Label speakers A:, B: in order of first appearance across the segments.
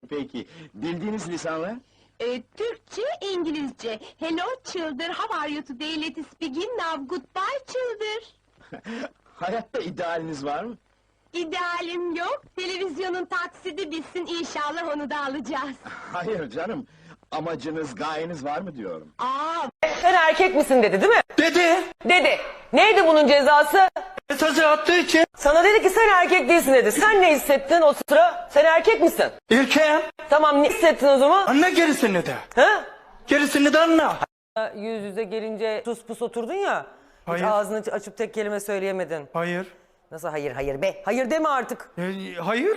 A: Peki, bildiğiniz lisanlar?
B: Türkçe, İngilizce. Hello children, how are you today? Let's begin now. Goodbye children.
A: Hayatta idealiniz var mı?
B: İdealim yok. Televizyonun taksidi bitsin, inşallah onu da alacağız.
A: Hayır canım, amacınız, gayeniz var mı diyorum.
C: Sen erkek misin dedi değil mi?
D: Dedi.
C: Dedi. Neydi bunun cezası?
D: Mesajı attığı için
C: Sana dedi ki sen erkek değilsin dedi. Sen ne hissettin o sıra? Sen erkek misin?
D: erkeğim.
C: Tamam, ne hissettin o zaman?
D: Anla gerisini de.
C: Ha?
D: Gerisini de anla.
C: Yüz yüze gelince sus pus oturdun ya.
D: Hayır.
C: Hiç ağzını açıp tek kelime söyleyemedin.
D: Hayır.
C: Nasıl hayır hayır be? Hayır deme artık.
D: Hayır.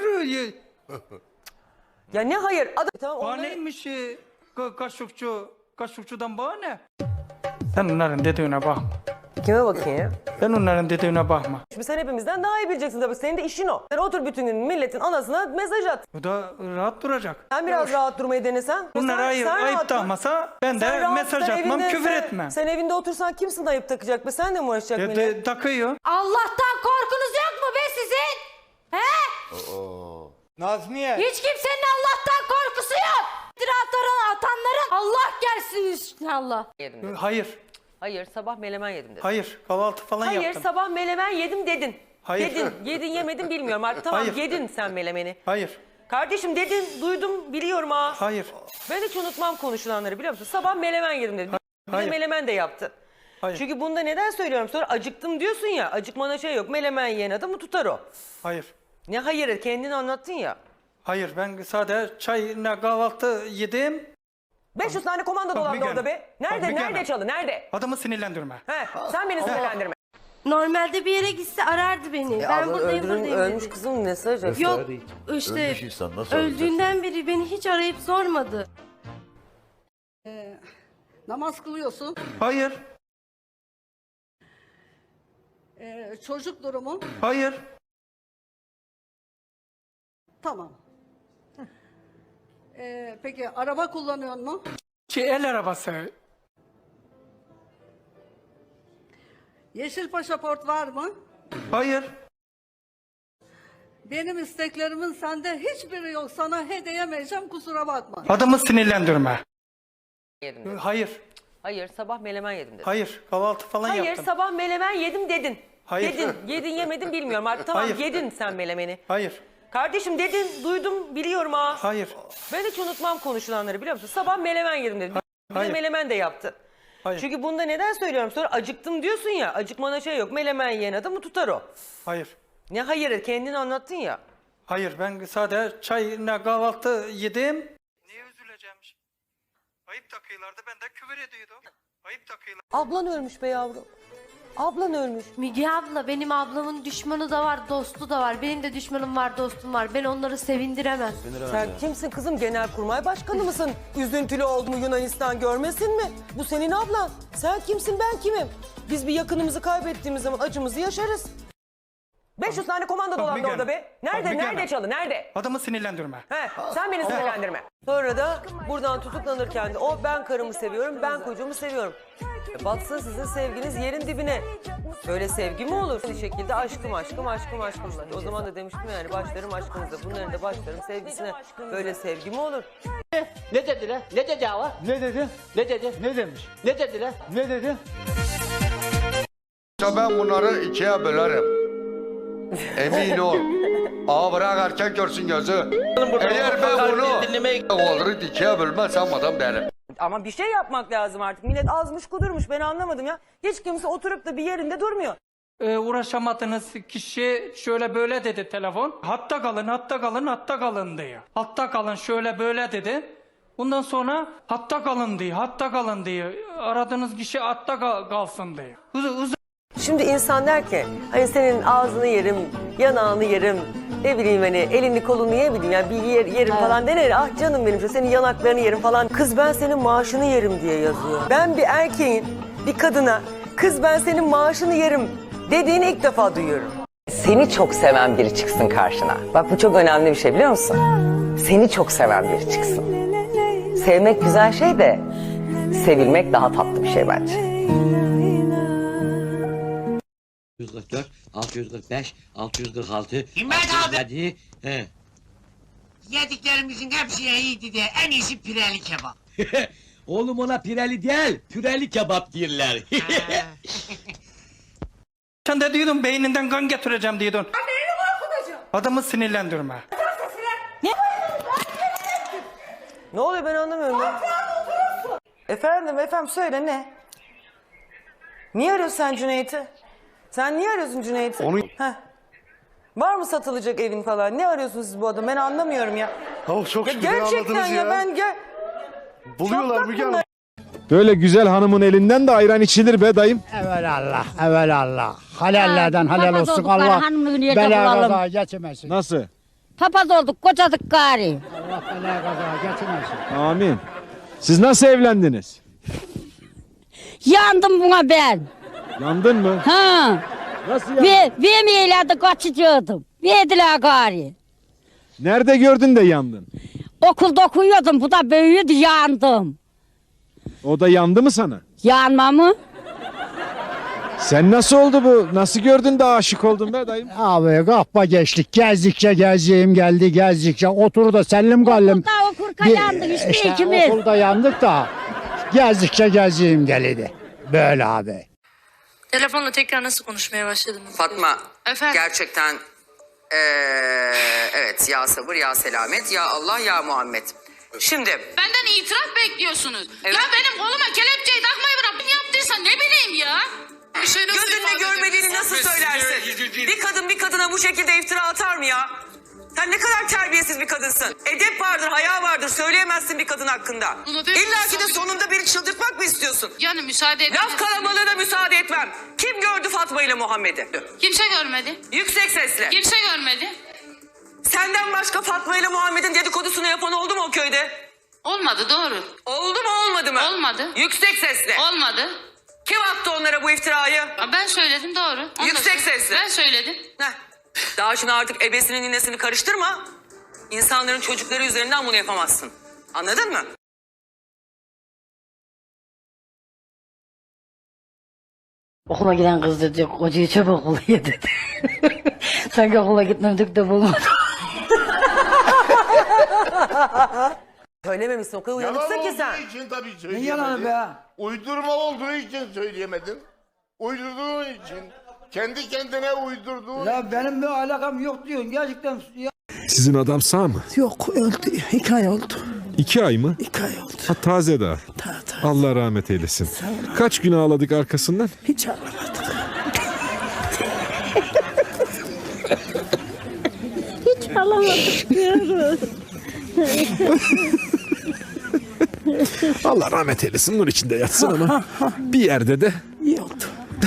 C: Ya ne hayır? Tamam onları...
D: Bahaneymiş kaşıkçudan bahane. Sen onların dediğine bakma.
C: Kime bakayım?
D: Ben onların dediğine bakma.
C: Şimdi sen hepimizden daha iyi bileceksin tabii. Senin de işin o. Sen otur bütün gün milletin anasına mesaj at.
D: Bu da rahat duracak.
C: Sen biraz rahat durmayı denesen.
D: Bunlar
C: Sen
D: ayıp
C: rahat dur.
D: takmasa ben
C: Sen
D: de
C: rahat,
D: mesaj
C: sen
D: atmam,
C: evinde-
D: küfür
C: sen-
D: etmem.
C: Sen evinde otursan kimsin ayıp takacak be? Sen de mi uğraşacak millet?
D: Takıyor.
E: Allah'tan korkunuz yok mu be sizin? He?
D: Nazmiye.
E: Hiç kimsenin Allah'tan korkusu yok. Atanların Allah gelsin inşallah.
C: Yedim dedim.
D: Hayır.
C: Hayır sabah melemen yedim dedim.
D: Hayır. Kahvaltı falan
C: Hayır
D: yaptım.
C: sabah melemen yedim dedin.
D: Hayır.
C: Dedin. Yedin yemedin bilmiyorum artık. Tamam
D: Hayır.
C: yedin sen melemeni.
D: Hayır.
C: Kardeşim dedin duydum biliyorum ha.
D: Hayır.
C: Ben hiç unutmam konuşulanları biliyor musun? Sabah melemen yedim dedim. Bir de
D: Hayır.
C: melemen de yaptın.
D: Hayır.
C: Çünkü bunda neden söylüyorum? Sonra acıktım diyorsun ya. Acıkmana şey yok. Melemen yiyen adamı tutar o.
D: Hayır.
C: Ne hayır kendini anlattın ya.
D: Hayır. Ben sadece çayla kahvaltı yedim.
C: 500 tane komando
D: Bak,
C: dolandı
D: bir
C: orada
D: gene.
C: be. Nerede?
D: Bak, bir
C: Nerede
D: gene.
C: çalı? Nerede?
D: Adamı sinirlendirme.
C: He, sen beni sinirlendirme.
F: Normalde bir yere gitse arardı beni. Ben buradayım buradayım
C: ölmüş
F: dedi.
C: kızım mesaj at.
F: Yok işte
G: Ölmüş insan nasıl arayacak?
F: öldüğünden beri beni hiç arayıp sormadı.
H: Namaz kılıyorsun.
D: Hayır.
H: Çocuk durumu.
D: Hayır.
H: Tamam. Peki araba kullanıyor mu?
D: El arabası.
H: Yeşil pasaport var mı?
D: Hayır.
H: Benim isteklerimin sende hiçbiri yok. Sana hediyemeyeceğim, kusura bakma.
D: Adamı sinirlendirme.
C: Yedim dedim.
D: Hayır.
C: Hayır sabah melemen yedim dedim.
D: Hayır. Kahvaltı falan
C: Hayır
D: yaptım.
C: sabah melemen yedim dedin.
D: Hayır.
C: Dedin. Yedin yemedin bilmiyorum artık. Tamam
D: Hayır.
C: yedin sen melemeni.
D: Hayır.
C: Kardeşim dedin duydum biliyorum ha.
D: Hayır.
C: Ben hiç unutmam konuşulanları biliyor musun? Sabah melemen yedim dedim. Bir de
D: Hayır.
C: melemen de yaptın.
D: Hayır.
C: Çünkü bunda neden söylüyorum? Sonra acıktım diyorsun ya. Acıkmana şey yok. Melemen yiyen adamı tutar o.
D: Hayır.
C: Ne hayır kendini anlattın ya.
D: Hayır. Ben sadece çayla kahvaltı yedim. Niye üzüleceğim? Ayıp takıyorlardı. Ben de küfür ediyordum. Ayıp takıyorlar.
C: Ablan ölmüş be yavrum. Ablan ölmüş.
F: Müge abla benim ablamın düşmanı da var dostu da var. Benim de düşmanım var dostum var. Ben onları sevindiremem.
C: Sen kimsin kızım? Genelkurmay Başkanı mısın? Üzüntülü oldu mu Yunanistan görmesin mi? Bu senin ablan. Sen kimsin ben kimim? Biz bir yakınımızı kaybettiğimiz zaman acımızı yaşarız. 500 tane komando dolandı
D: gene.
C: orada be. Nerede?
D: Bak, bir
C: Nerede
D: gene.
C: çalı? Nerede?
D: Adamı sinirlendirme.
C: He, sen beni sinirlendirme. Sonra da buradan tutuklanırken de o ben karımı seviyorum, ben kocamı seviyorum. Batsın sizin sevginiz yerin dibine. Böyle sevgi mi olur? Bir şekilde aşkım. O zaman da demiştim yani başlarım aşkınıza, bunların da başlarım sevgisine. Böyle sevgi mi olur?
I: Ne dediler? Ne dedi hava?
D: Ne dedi?
I: Ne dedi?
D: Ne demiş?
I: Ne dediler?
D: Ne dedi?
G: Ben bunları ikiye bölerim. Emin ol. Ağa bırak erkek görsün gözü. Eğer ben bunu olur ikiye bölmezsem adam derim.
C: Ama bir şey yapmak lazım artık. Millet azmış kudurmuş ben anlamadım ya. Hiç kimse oturup da bir yerinde durmuyor.
D: Uğraşamadığınız kişi şöyle böyle dedi telefon. Hatta kalın diyor. Hatta kalın şöyle böyle dedi. Bundan sonra hatta kalın diyor. Aradığınız kişi hatta kalsın diyor.
C: Şimdi insan der ki hani senin ağzını yerim, yanağını yerim, ne bileyim hani elini kolunu yerim yani bir yerim falan denir. Ah canım benim senin yanaklarını yerim falan. Kız ben senin maaşını yerim diye yazıyor. Ben bir erkeğin bir kadına kız ben senin maaşını yerim dediğini ilk defa duyuyorum. Seni çok seven biri çıksın karşına. Bak bu çok önemli bir şey biliyor musun? Seni çok seven biri çıksın. Sevmek güzel şey de sevilmek daha tatlı bir şey bence.
I: 644, 645, 646,
J: İmmet abi!
I: 647, Yediklerimizin hepsi iyiydi diye en iyisi pireli kebap.
J: Oğlum ona pireli değil, püreli kebap derler.
D: Sen de diyordun beyninden kan getireceğim diyordun. Adamı sinirlendirme.
C: Ne oluyor ben anlamıyorum ya. Efendim söyle ne? Niye arıyorsun sen Cüneyt'i? Sen niye arıyorsun Cüneyt'i? Heh. Var mı satılacak evin falan? Ne arıyorsunuz siz bu adamı? Ben anlamıyorum ya.
A: çok
C: Ya gerçekten ya ben
A: Buluyorlar Müge Hanım.
K: Böyle güzel hanımın elinden de ayran içilir be dayım.
J: Evelallah. Halallerden halal olsun Allah. Bela kaza geçmesin.
K: Nasıl?
E: Papaz olduk, kocadık gari.
J: Allah bela kaza geçmesin.
K: Amin. Siz nasıl evlendiniz?
E: Yandım buna ben.
K: Yandın mı?
E: Ha.
K: Nasıl yandın?
E: Vermeyelerdi kaçıcıyordum. Verdiler gari.
K: Nerede gördün de yandın?
E: Okulda okuyordum, bu da büyüdü, yandım.
K: O da yandı mı sana?
E: Yanma mı?
K: Sen nasıl oldu bu? Nasıl gördün de aşık oldun be dayım?
J: Abi kahpa geçtik. Gezdikçe gezeceğim geldi. Gezdikçe otur da sellim gallim.
E: Okurka yandık işte ikimiz.
J: Okulda yandık da gezdikçe gezeceğim geldi. Böyle abi.
F: Telefonla tekrar nasıl konuşmaya başladınız?
C: Fatma
F: Efendim?
C: gerçekten evet ya sabır ya selamet ya Allah ya Muhammed. Şimdi
E: Benden itiraf bekliyorsunuz.
C: Evet.
E: Ya benim koluma kelepçeyi takmayı bırak. Kim yaptıysa ne bileyim ya.
C: gözünle görmediğini nasıl söylersin? Bir kadın bir kadına bu şekilde iftira atar mı ya? Sen ne kadar terbiyesiz bir kadınsın. Edep vardır, haya vardır. Söyleyemezsin bir kadın hakkında. İlla ki de sonunda beni çıldırtmak mı istiyorsun?
E: Yani müsaade edin.
C: Laf kalabalığına müsaade etmem. Kim gördü Fatma ile Muhammed'i?
E: Kimse görmedi.
C: Yüksek sesle.
E: Kimse görmedi.
C: Senden başka Fatma ile Muhammed'in dedikodusunu yapan oldu mu o köyde?
E: Olmadı doğru.
C: Oldu mu olmadı mı?
E: Olmadı.
C: Yüksek sesle.
E: Olmadı.
C: Kim attı onlara bu iftirayı?
E: Ben söyledim doğru. Onu da
C: Yüksek
E: söyledim.
C: sesle.
E: Ben söyledim.
C: Heh. Daha şimdi artık ebesinin ninesini karıştırma. İnsanların çocukları üzerinden bunu yapamazsın. Anladın mı?
E: Okula giden kız dedi, kocayı çabuk okula dedi. Sanki okula gitmedik de bulmadım.
C: Söylememişsin o kadar uyanıksın ki sen.
A: için tabii söyleyemedin. Ne yalanı be? Uydurma olduğu için söyleyemedin. Uydurduğun için. Kendi kendine uydurduğun
J: Ya benim bir alakam yok diyorsun gerçekten.
K: Sizin adam sağ mı?
J: Yok öldü. 2 ay oldu.
K: 2 ay mı?
J: 2 ay oldu.
K: Ha taze daha. Allah rahmet eylesin. Kaç gün ağladık arkasından?
J: Hiç ağlamadık.
K: Allah rahmet eylesin, nur içinde yatsın ama bir yerde de
J: İyi oldu.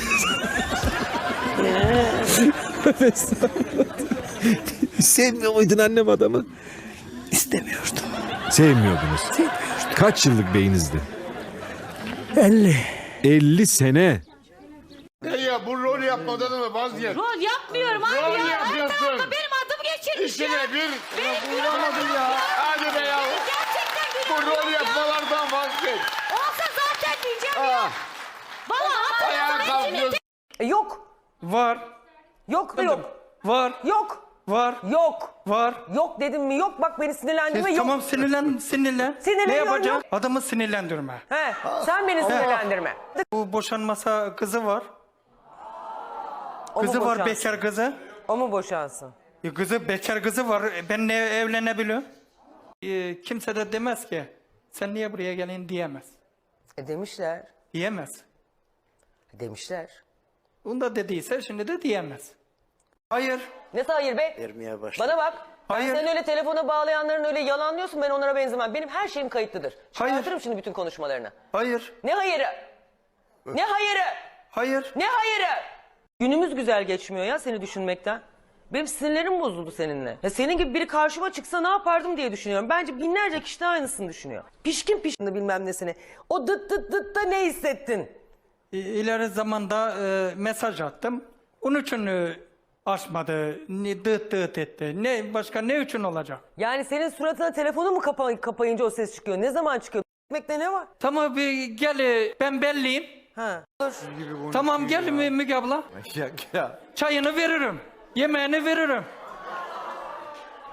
K: sevmiyor muydun annem adamı?
J: İstemiyordum.
K: Sevmiyordunuz. Kaç yıllık beyinizdi?
J: 50.
K: 50 sene.
A: Ne ya bu rol yapmadan mı vazgeç?
E: Rol yapmıyorum abi
A: Rol
E: ya.
A: yapıyorsun.
E: Her tarafta benim adım geçirmiş
A: İşine
E: ya.
A: bir
E: Bulamadım ya.
A: hadi be ya.
E: Gerçekten
A: Bu
E: benim
A: rol yapmalardan vazgeç.
E: Olsa zaten diyeceğim ya. Bana
A: Ayağa kalkıyorsun.
C: Yok.
D: Var.
C: Yok da yok.
D: Var.
C: Yok.
D: Var.
C: Yok.
D: Var.
C: Yok dedim mi yok bak beni sinirlendirme yok.
D: Tamam sinirlen.
C: Sinirleniyorum
D: Ne yapacağım?
C: yok.
D: Adamı sinirlendirme.
C: He, sen beni sinirlendirme.
D: Bu boşanmasa kızı var.
C: O mu
D: Kızı var
C: boşansın?
D: bekar kızı.
C: O mu boşansın?
D: Kızı bekar kızı var. Ben ne evlenebiliyorum? Kimse de demez ki sen niye buraya gelin diyemez.
C: Demişler.
D: Diyemez.
C: Demişler.
D: Onu da dediyse şimdi de diyemez. Hayır.
C: Ne hayır be? Bana bak.
D: Hayır.
C: Sen öyle telefona bağlayanların öyle yalanlıyorsun, ben onlara benzemem. Benim her şeyim kayıtlıdır.
D: Hayır.
C: Çıkartırım şimdi bütün konuşmalarını.
D: Hayır.
C: Ne hayırı? Ne hayırı?
D: Hayır.
C: Ne hayırı? Günümüz güzel geçmiyor ya seni düşünmekten. Benim sinirlerim bozuldu seninle. Ya senin gibi biri karşıma çıksa ne yapardım diye düşünüyorum. Bence binlerce kişi de aynısını düşünüyor. Pişkin bilmem nesini. O dıt dıt dıt da ne hissettin?
D: İleri zamanda mesaj attım. Onun için açmadı. Dıt dıt etti. Ne başka ne için olacak?
C: Yani senin suratına telefonu mu kapayınca o ses çıkıyor? Ne zaman çıkıyor? Ekmekte ne var?
D: Tamam bir gel ben belliyim.
C: Ha. Dur.
D: Tamam gel Müge abla. Çayını veririm. Yemeğini veririm.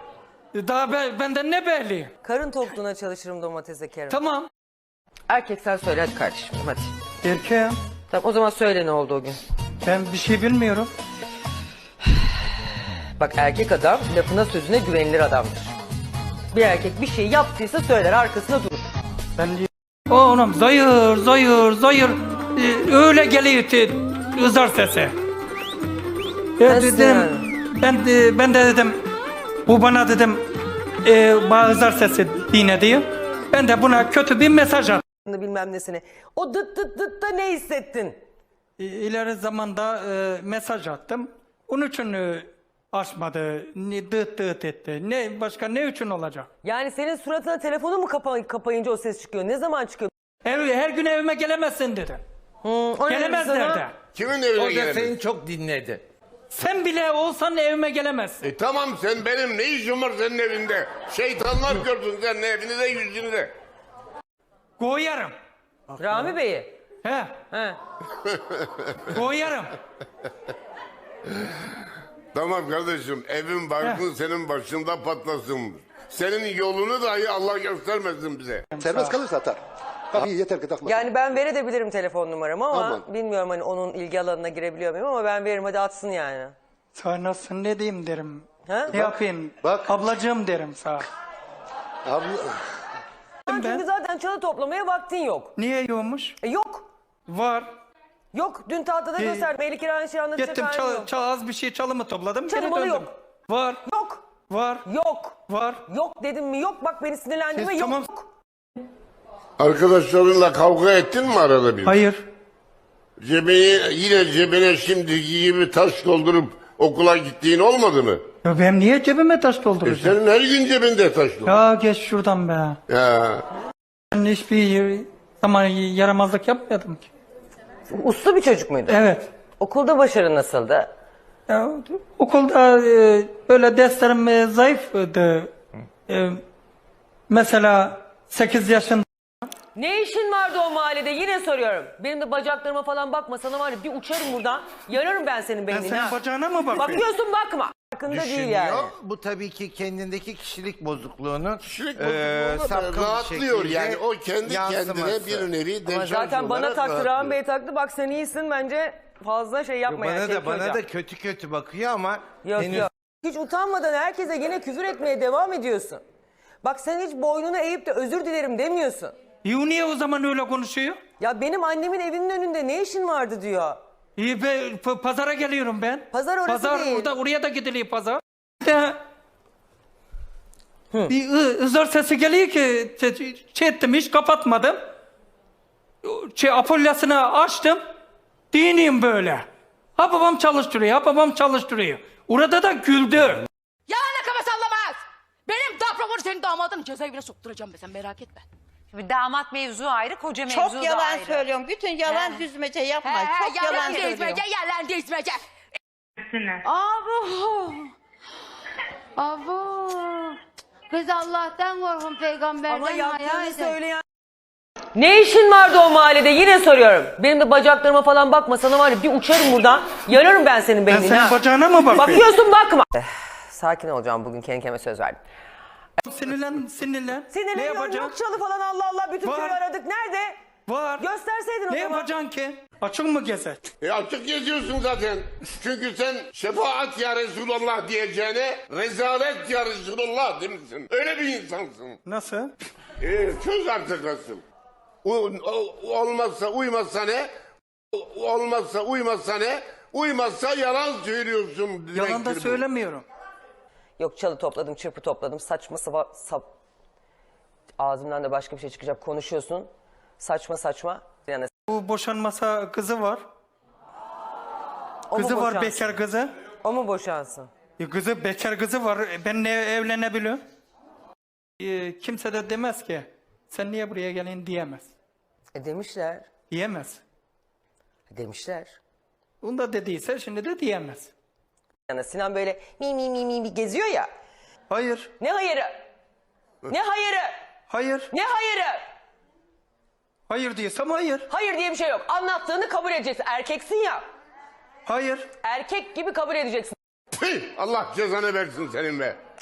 D: Daha benden ne belli?
C: Karın tokluğuna çalışırım domates ekerim.
D: Tamam.
C: Erkek sen söyle hadi kardeşim hadi.
D: Erkeğim.
C: Tamam o zaman söyle ne oldu o gün.
D: Ben bir şey bilmiyorum.
C: Bak erkek adam lafına sözüne güvenilir adamdır. Bir erkek bir şey yaptıysa söyler arkasında durur.
D: Ben oğlum zayır. Öyle geliyor ızar sesi.
C: Nasıl
D: Dedim,
C: yani?
D: ben de dedim bu bana dedim bana ızar sesi dine diyor. Ben de buna kötü bir mesaj attım.
C: Bilmem nesine. O dıt dıt dıt da ne hissettin?
D: İleri zamanda mesaj attım. Onun için açmadı. Dıt dıt etti. Ne başka ne için olacak?
C: Yani senin suratına telefonu mu kapayınca o ses çıkıyor? Ne zaman çıkıyor?
D: Her gün evime gelemezsin dedi.
C: O ne
D: Gelemez
C: dedi sana?
D: nerede?
A: Kimin evine
G: O da
A: gelemez?
G: seni çok dinledi.
D: Sen bile olsan evime gelemezsin.
A: Tamam sen benim ne işim var senin evinde? Şeytanlar gördün senin evini de yüzünü de.
D: Koyarım.
C: Rami Bey'i.
D: He.
C: He.
D: Koyarım.
A: Tamam kardeşim evin barkın senin başında patlasın. Senin yolunu dahi Allah göstermesin bize.
L: Serbest kalırsa atar. Tabii yeter ki takma.
C: Yani ben verebilirim telefon numaramı ama
L: Aman.
C: bilmiyorum hani onun ilgi alanına girebiliyor muyum ama ben veririm hadi atsın yani.
D: Sana nasıl ne diyeyim derim.
C: Ha?
D: Ne yapayım?
L: Bak.
D: Ablacığım derim sana.
L: Abi,
C: Çünkü zaten çalı toplamaya vaktin yok.
D: Niye yokmuş?
C: Yok.
D: Var.
C: Yok. Dün tahtada gösterdim. Eli kirani şey anlatacak
D: Gittim
C: halim yok.
D: az bir şey çalımı topladım. geri
C: Çalımalı
D: döndüm.
C: yok.
D: Var.
C: Yok.
D: Var.
C: Yok.
D: Var.
C: Yok dedim mi yok. Bak beni sinirlendirme yok.
D: Tamam.
A: Arkadaşlarınla kavga ettin mi arada bir?
D: Hayır.
A: Yine cebine şimdiki gibi taş doldurup okula gittiğin olmadı mı?
D: Ya ben niye cebime taş dolduracağım?
A: Senin her gün cebinde taş doldur.
D: Ya geç şuradan be.
A: Ya.
D: Ben hiçbir zaman yaramazlık yapmadım ki.
C: Uslu bir çocuk muydu?
D: Evet.
C: Okulda başarı nasıldı?
D: Ya, okulda böyle derslerim zayıftı. Mesela 8 yaşında
C: Ne işin vardı o mahallede yine soruyorum. Benim de bacaklarıma falan bakma sana var ya bir uçarım buradan. Yararım ben senin
D: ben
C: beynini.
D: senin
C: ha.
D: bacağına mı bakıyorum?
C: Bakıyorsun bakma. Farkında değil yani.
G: Bu tabii ki kendindeki kişilik bozukluğunun
A: Kişilik bozukluğuna
G: sapkın bir
A: rahatlıyor
G: şekilde
A: yani o kendi
G: yansıması.
A: kendine bir nevi
C: Ama
A: deşarj
C: zaten bana
A: olarak
C: taktı
A: rahatlıyor.
C: Rahmi Bey taktı bak sen iyisin bence fazla şey yapma yani.
G: Bana da
C: Şevki
G: bana
C: Hocam.
G: da kötü bakıyor ama
C: Yok
G: henüz
C: yok. Hiç utanmadan herkese yine küfür etmeye devam ediyorsun. Bak sen hiç boynunu eğip de özür dilerim demiyorsun.
D: Niye o zaman öyle konuşuyor?
C: Ya benim annemin evinin önünde ne işin vardı diyor.
D: Pazara geliyorum ben.
C: Pazar orası değil.
D: Oraya da gidiliyor pazar. Bir ızır sesi geliyor ki şey ettim hiç kapatmadım. Apolyasını açtım. Diniyim böyle. Ha babam çalıştırıyor. Orada da güldü.
B: Yalan kafa sallamaz. Benim daproporu senin damadın cezaevine sokturacağım be sen merak etme.
F: Şimdi damat mevzu ayrı, koca mevzu da ayrı.
M: Çok yalan söylüyorsun. Bütün yalan düzmece yapma. Çok yalan söylüyorsun.
B: Yalan dizmece.
F: Abo. Abo. Kız Allah'tan korkun peygamberden
C: Ama
F: hayal
C: yaptığını
F: edin.
C: söyleyen... Ne işin vardı o mahallede yine soruyorum. Benim de bacaklarıma falan bakma sana var ya bir uçarım buradan. Yararım ben senin
D: Ben
C: beynini.
D: senin
C: ha.
D: bacağına mı bakıyorum?
C: Bakıyorsun bakma. Sakin olacağım bugün kendi kendime söz verdim.
D: Sinirlen. Ne
C: Sinirleniyorum
D: yapacağım?
C: yok çalı falan Allah Allah bütün
D: Var.
C: köyü aradık. Nerede?
D: Var.
C: Gösterseydin o
D: Ne
C: zaman.
D: yapacaksın ki? Açık mı gezer?
A: Açık geziyorsun zaten. Çünkü sen şefaat ya Resulallah diyeceğine rezalet ya Resulallah demişsin. Öyle bir insansın.
D: Nasıl?
A: Çöz artık nasıl? Olmazsa uymazsa ne? Olmazsa uymazsa ne? Uymazsa yalan söylüyorsun.
D: Yalan da
A: demektir bu.
D: söylemiyorum.
C: Yok çalı topladım, çırpı topladım. Saçma ağzımdan da başka bir şey çıkacak. Konuşuyorsun. Saçma. Yani
D: Bu boşanmasa kızı var.
C: o
D: Kızı
C: mu
D: var
C: boşansın?
D: bekar kızı.
C: O mu boşansın?
D: Kızı bekar kızı var. Ben ne evlenebiliyorum? Kimse de demez ki sen niye buraya gelin diyemez.
C: Demişler.
D: Diyemez.
C: Demişler.
D: Onu da dediyse şimdi de diyemez.
C: Yani Sinan böyle mi geziyor ya.
D: Hayır.
C: Ne hayırı? Ne hayırı?
D: Hayır.
C: Ne hayırı?
D: Hayır diyorsam hayır.
C: Hayır diye bir şey yok. Anlattığını kabul edeceksin. Erkeksin ya.
D: Hayır.
C: Erkek gibi kabul edeceksin.
A: Tüh, Allah cezanı versin senin be.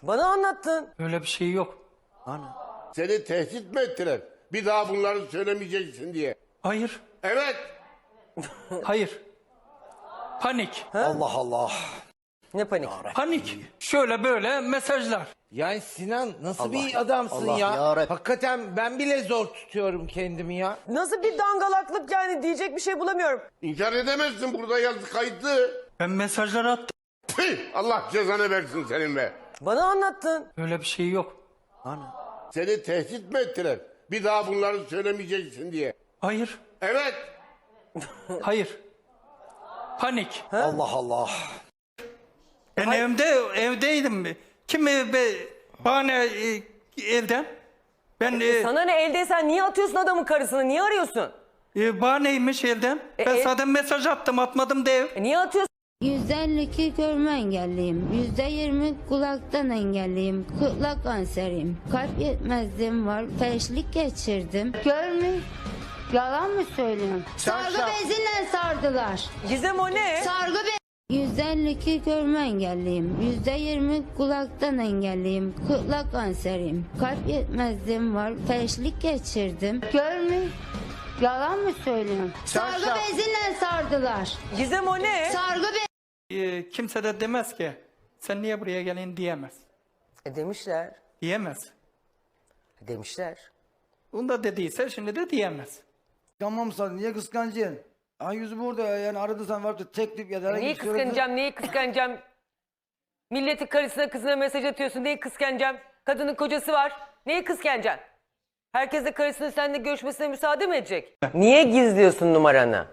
C: Bana anlattın.
D: Öyle bir şey yok.
A: Seni tehdit mi ettiler? Bir daha bunları söylemeyeceksin diye.
D: Hayır.
A: Evet.
D: Hayır. Panik.
L: Allah Allah.
C: Ne panik?
D: Panik. Şöyle böyle mesajlar.
I: Yani Sinan nasıl bir adamsın
L: Allah
I: ya?
L: yarabbim.
I: Hakikaten ben bile zor tutuyorum kendimi ya.
C: Nasıl bir dangalaklık yani, diyecek bir şey bulamıyorum.
A: İnkar edemezsin, burada yazı kayıtlı.
D: Ben mesajları attım.
A: Tüh, Allah cezanı versin senin be.
C: Bana anlattın.
D: Öyle bir şey yok.
A: Seni tehdit mi ettiler? Bir daha bunları söylemeyeceksin diye.
D: Hayır.
A: Evet.
D: Hayır. Panik.
L: Allah Allah.
D: Ben evdeydim. Kim bahane evden? Ben
C: Sana ne, eldeysen niye atıyorsun adamın karısını? Niye arıyorsun?
D: bahaneymiş elden. Ben zaten mesaj attım, atmadım dev.
C: Niye atıyorsun?
B: %52 görme engelliyim. %20 kulaktan engelliyim. Kulak kanseriyim. Kalp yetmezliğim var. Felçlik geçirdim. Görme. Yalan mı söylüyorum? Sargı beziyle sardılar.
C: Gizem o ne?
B: Sargı be... %52 görme engelliyim. %20 kulaktan engelliyim. Kulak kanseriyim. Kalp yetmezliğim var. Felçlik geçirdim. Görme. Yalan mı söylüyorum? Sargı beziyle sardılar.
C: Gizem o ne?
B: Sargı be...
D: Kimse de demez ki sen niye buraya gelin diyemez.
C: Demişler.
D: Diyemez.
C: Demişler.
D: Bunu da dediyse şimdi de diyemez.
I: Tamam sen niye kıskancın? Ay yüzü burada yani aradı sen vardı teklif ya da...
C: Neyi kıskanacağım, neyi kıskanacağım? Milletin karısına kızına mesaj atıyorsun, neyi kıskanacağım? Kadının kocası var, neyi kıskanacaksın? Herkes de karısının seninle görüşmesine müsaade mi edecek? Niye gizliyorsun numaranı?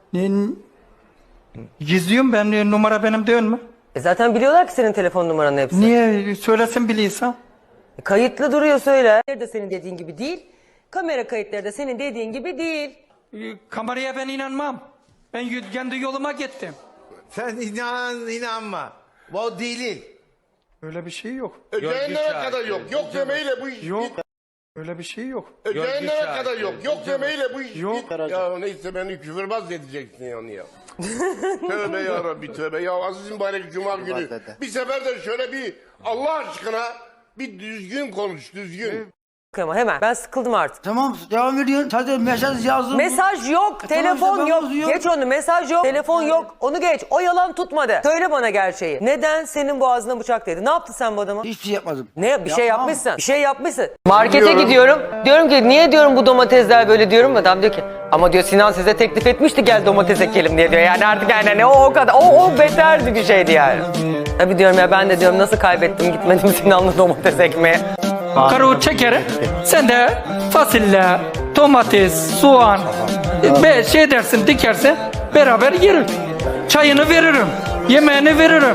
D: Gizliyorum ben, numara benim değil mi?
C: Zaten biliyorlar ki senin telefon numaranın hepsi.
D: Niye söylesin biliyorsan?
C: Kayıtlı duruyor, söyle. De senin dediğin gibi değil. Kamera kayıtları da senin dediğin gibi değil.
D: Kameraya ben inanmam. Ben kendi yoluma gittim.
I: Sen inanma. Bu delil.
D: Öyle bir şey yok.
A: Cehenneme kadar yok. Yok demeyle bu iş
D: Yok.
A: bit.
D: Öyle bir şey yok.
A: Cehenneme kadar yok. Yok demeyle bu iş
D: Yok.
A: bit. Ya neyse beni küfürbaz edeceksin yani ya. Tövbe ya Rabbi tövbe. Ya aziz mübarek cuma günü. Bir sefer de şöyle bir Allah aşkına bir düzgün konuş, düzgün.
C: Ama hemen, ben sıkıldım artık.
I: Tamam devam ediyorsun. Sadece mesaj yazdım.
C: Mesaj yok, telefon yok. Geç onu, mesaj yok, telefon yok. Onu geç, o yalan tutmadı. Söyle bana gerçeği. Neden senin boğazına bıçak değdi? Ne yaptın sen bu adama?
I: Hiçbir şey yapmadım.
C: Ne, bir şey
I: Yapmam.
C: yapmışsın? Bir şey yapmışsın. Markete gidiyorum. Diyorum ki niye diyorum bu domatesler böyle diyorum. Adam diyor ki ama diyor Sinan size teklif etmişti gel domates ekelim diye diyor. Yani artık yani o kadar o beterdi bir şeydi yani. Tabii diyorum ya, ben de diyorum nasıl kaybettim gitmedim Sinan'la domates ekmeye.
D: Karuğu çekerim. Sen de fasulye, domates, soğan şey dersin, dikersin. Beraber yerim. Çayını veririm. Yemeğini veririm.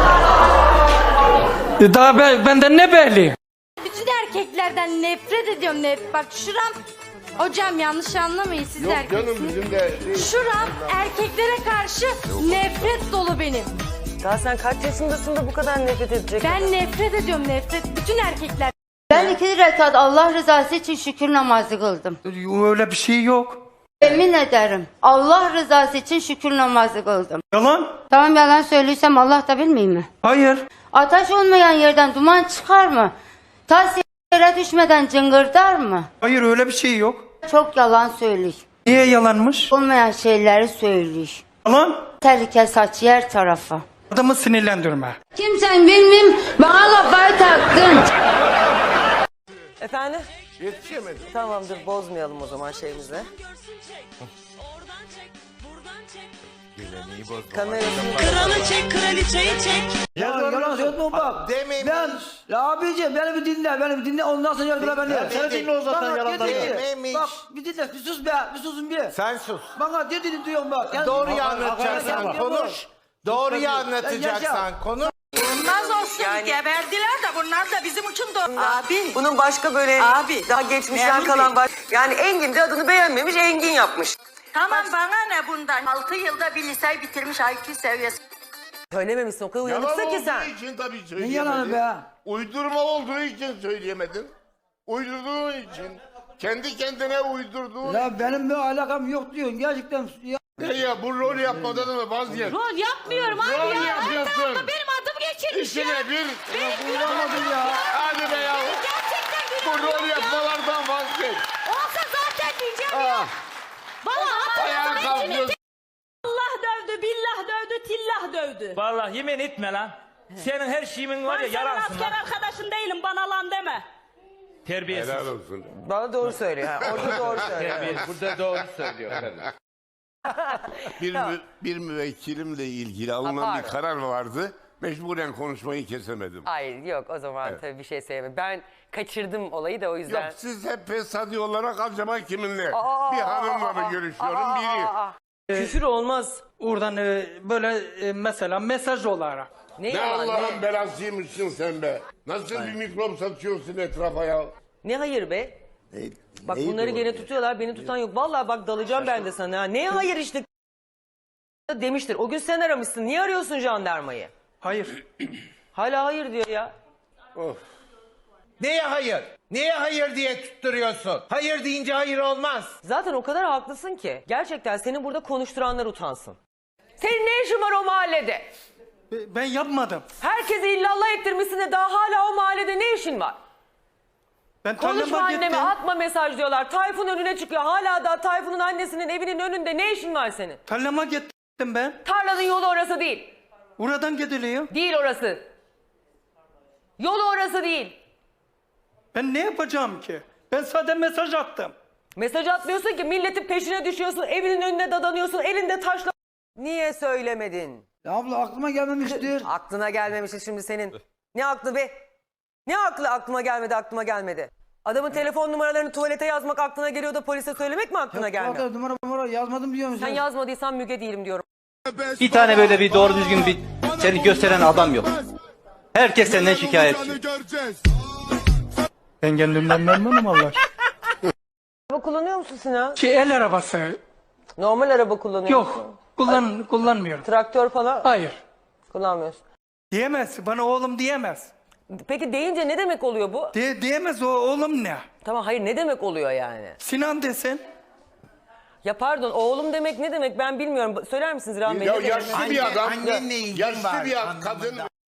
D: Daha benden ne belli?
F: Bütün erkeklerden nefret ediyorum. Bak şuram... Hocam yanlış anlamayın, siz
A: Yok
F: erkeksiniz.
A: canım bizim de...
F: Şuram erkeklere karşı nefret dolu benim.
C: Daha sen kaç yaşındasın da bu kadar nefret edecek?
F: Ben nefret ediyorum, nefret. Bütün erkekler.
B: Ben 2 rekat Allah rızası için şükür namazı kıldım.
D: Öyle bir şey yok.
B: Yemin ederim. Allah rızası için şükür namazı kıldım.
D: Yalan?
B: Tamam, yalan söylüyorsam Allah da bilmeyeyim mi?
D: Hayır.
B: Ateş olmayan yerden duman çıkar mı? Tas yere düşmeden cıngırdar mı?
D: Hayır öyle bir şey yok.
B: Çok yalan söylüyor.
D: Niye yalanmış?
B: Olmayan şeyleri söylüyor.
D: Yalan.
B: Tehlike saç yer tarafa.
D: Adamı sinirlendirme.
B: Kimsen bilmem bana kafayı taktın.
C: Efendim?
A: Yetişemedim.
C: Tamamdır, bozmayalım o zaman şeyimizi.
M: Kralı çek, kraliçeyi çek.
I: Yalan söylüyorum bak. Ben abicim beni bir dinle ondan sonra yargıla beni.
L: Sen dinle o zaten yalanları.
I: Bak bir dinle bir sus be bir susun bir.
L: Sen sus.
I: Bana dediğini duyuyorum bak. Yani,
L: Doğruyu anlatacaksan konuş. Doğruyu anlatacaksan konuş.
M: Olmaz olsun geberdiler de bunlar da bizim için de. Abi.
C: Bunun başka böyle daha geçmişten
M: Memur
C: kalan
M: Bey.
C: yani Engin de adını beğenmemiş, Engin yapmış.
M: Tamam bana ne bundan? 6 yılda bir liseyi bitirmiş IQ seviyesi.
C: Söylememişsin, o kadar
A: Yalan
C: uyanıksın ki sen.
A: olduğu için tabii
I: Ne
A: söyleyemedin.
I: yalanı be?
A: Uydurma olduğu için söyleyemedin. Uydurduğun için. Kendi kendine uydurduğun.
I: Ya benim bir alakam yok diyorsun gerçekten. Ya.
A: Ne ya bu rol yapmadan mı vazgeç?
F: Rol yapmıyorum abi
A: Rol
F: ya.
A: yapıyorsun.
F: Benim adım geçiyor. içinmiş
A: İşte
F: ya.
A: nedir?
I: Kullanmadın ya.
A: Hadi be ya.
F: Gerçekten
A: Bu
F: günah
A: rol
F: yok ya.
A: yapmalardan vazgeç.
F: Olsa zaten diyeceğim ya.
A: Ah,
F: Bana
A: ayağa
F: atmasın
A: kalkıyorsun.
F: Allah dövdü, billah dövdü, tillah dövdü.
I: Vallahi yemin etme lan. Senin her şeyin var ya yaransın lan.
F: Arkadaşın değilim, bana lan deme.
I: Terbiyesiz.
A: Helal olsun.
C: Bana doğru söylüyor. Ha. Orada doğru söylüyor.
I: Burada doğru söylüyor.
A: Bir müvekkilimle ilgili alınan
C: pardon.
A: bir karar vardı. Mecburen konuşmayı kesemedim.
C: Hayır yok o zaman tabii bir şey söyleyemem. Ben kaçırdım olayı da o yüzden.
A: Yok siz hep fesadi olarak acaba kiminle? Bir hanımla mı görüşüyorum biri.
C: Küfür olmaz.
D: Oradan böyle mesela mesaj olarak.
C: Ne
A: Ne
C: yalan,
A: Allah'ın belasıymışsın sen be. Nasıl bir mikrop satıyorsun etrafa ya?
C: ne hayır be? Bak bunları gene tutuyorlar, beni tutan yok. Vallahi bak dalacağım ben de sana. Ha. Ne hayır işte demiştir. O gün sen aramışsın. Niye arıyorsun jandarmayı?
D: Hayır.
C: Hala hayır diyor ya.
L: Neye hayır? Neye hayır diye tutturuyorsun? Hayır deyince hayır olmaz.
C: Zaten o kadar haklısın ki. Gerçekten seni burada konuşturanlar utansın. Senin ne işin var o mahallede?
D: Ben yapmadım.
C: Herkesi illallah ettirmişsin de daha hala o mahallede ne işin var?
D: Ben
C: Konuşma
D: tarlama
C: anneme,
D: gittim.
C: atma mesaj diyorlar. Tayfun önüne çıkıyor. Hala da Tayfun'un annesinin evinin önünde ne işin var senin?
D: Tarlama gittim ben.
C: Tarlanın yolu orası değil.
D: Oradan gidiliyor.
C: Değil orası. Yolu orası değil.
D: Ben ne yapacağım ki? Ben sadece mesaj attım.
C: Mesaj atmıyorsun ki, milletin peşine düşüyorsun, evinin önüne dadanıyorsun, elinde taşla... Niye söylemedin?
I: Ya abla aklıma gelmemiştir.
C: Aklına gelmemişti şimdi senin. Ne aklı be? Ne aklı aklıma gelmedi. Adamın telefon numaralarını tuvalete yazmak aklına geliyor da polise söylemek mi aklına gelmiyor?
I: Numara yazmadım diyor musun?
C: Sen yazmadıysan Müge değilim diyorum.
N: Bir tane böyle bir doğru düzgün bir seni gösteren adam yok. Herkes senden şikayetçi.
D: Ben kendimden memnunum Allah.
C: Araba kullanıyor musun Sinan?
D: El arabası.
C: Normal araba kullanıyor musun?
D: Yok. Kullanmıyorum.
C: Traktör falan
D: Hayır.
C: kullanmıyorsun.
D: Diyemez. Bana oğlum diyemez.
C: Peki deyince ne demek oluyor bu?
D: Diyemez o oğlum ne?
C: Tamam hayır ne demek oluyor yani?
D: Sinan desin.
C: Ya pardon oğlum demek ne demek ben bilmiyorum. Söyler misiniz Rahmi Bey?
A: Ya
C: Ne demek?
A: yaşlı bir adam,
L: Annenle ilgin
A: yaşlı
L: var
A: bir
L: anlamında.
A: kadın